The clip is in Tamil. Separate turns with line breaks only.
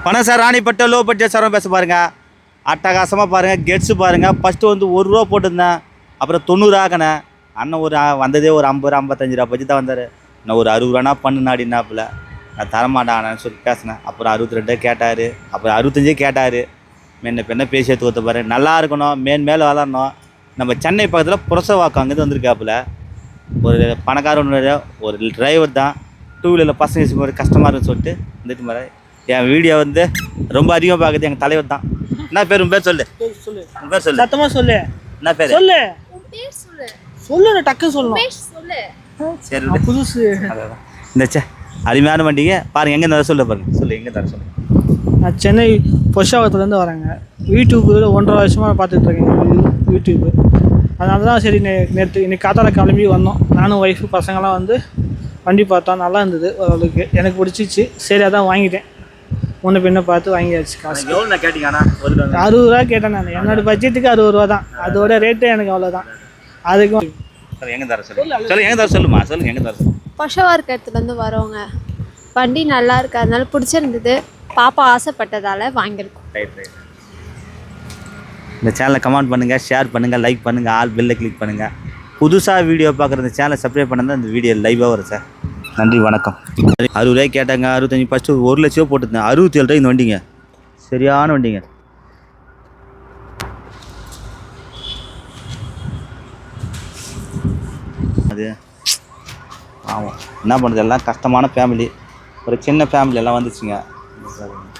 பணம் சார் ராணிப்பட்ட லோ பட்ஜெட் சாரம் பேச பாருங்கள். அட்டகாசமாக பாருங்கள். கெட்ஸு பாருங்கள். ஃபஸ்ட்டு வந்து ₹1 போட்டிருந்தேன், அப்புறம் 90 ஆக்கினேன். அண்ணன் ஒரு வந்ததே ஒரு 50 55 ரூபா பட்ஜெட் தான் வந்தார். நான் ஒரு 60 ரூபானா பண்ணுனாடினாப்புல நான் தரமாட்டாங்கன்னு சொல்லி பேசினேன். அப்புறம் 62 கேட்டார், அப்புறம் 65 கேட்டார். மென்ன பெண்ணை பேசி எடுத்து கொடுத்த பாரு. நல்லா இருக்கணும், மேலே வளரணும். நம்ம சென்னை பக்கத்தில் புரசவாக்கம் அங்கேருந்து வந்திருக்காப்புல. ஒரு பணக்கார ஒரு டிரைவர் தான். 2 வீலரில் பசங்க ஒரு கஷ்டமாக இருக்குன்னு சொல்லிட்டு வந்துட்டு மாதிரி என் வீடியோ வந்து ரொம்ப அதிகமாக பார்க்குறது எங்கள் தலைவர் தான். என்ன பேர்? உன் பேர் சொல்லு. உன் பேர் சொல்லு.
சத்தமாக சொல்லு.
என்ன பேர்?
சொல்லு. சொல்லு, டக்கு சொல்லணும்.
சரி,
புதுசு.
இந்த அருமையான வண்டிங்க பாருங்கள். எங்கே தர சொல்ல பாருங்க. சொல்லு, எங்கே தர சொல்லு.
நான் சென்னை பொஷாவத்துலேருந்து வரேங்க. யூடியூப்பில் 1.5 வருஷமாக பார்த்துட்ருக்கேன் யூடியூப்பு. அதனால தான் சரி நேற்று இன்னைக்கு காத்தால கிளம்பி வந்தோம். நானும் ஒய்ஃபு பசங்களாம் வந்து வண்டி பார்த்தோம். நல்லா இருந்தது ஓரளவுக்கு, எனக்கு பிடிச்சிச்சு. சரி அதான் வாங்கிட்டேன். முன்ன பின்ன பார்த்து வாங்கியாச்சு. காசு
எவ்வளோ கேட்டிங்கன்னா
60 ரூபா கேட்டேன் நான். என்னோடய பட்ஜெட்டுக்கு 60 ரூபா தான். அதோட ரேட்டு எனக்கு அவ்வளோதான். அதுக்கும்
எங்கே தர சொல்லு. எங்கே தர சொல்லுமா. சொல்லுங்கள், எங்கே தர சொல்லு.
பொஷவார்க்கத்துலேருந்து வரோங்க. வண்டி நல்லா இருக்கு, அதனால பிடிச்சிருந்தது. பாப்பா ஆசைப்பட்டதால் வாங்கியிருக்கோம்.
ரைட். இந்த சேனலை கமெண்ட் பண்ணுங்கள், ஷேர் பண்ணுங்கள், லைக் பண்ணுங்கள், ஆல் பெல்லை கிளிக் பண்ணுங்கள். புதுசாக வீடியோ பார்க்குற இந்த சேனலை சப்ஸ்கிரைப் பண்ண தான் இந்த வீடியோ லைவாக வரும் சார். நன்றி, வணக்கம். 60 ரூபாய்க்கு கேட்டாங்க, 65. ஃபஸ்ட்டு 1 லட்சம் போட்டுருந்தேன். 67 ரூபாய் இந்த வண்டிங்க. சரியான வண்டிங்க. அது ஆமாம், என்ன பண்ணுறது, எல்லாம் கஷ்டமான ஃபேமிலி. ஒரு சின்ன ஃபேமிலி எல்லாம் வந்துச்சுங்க.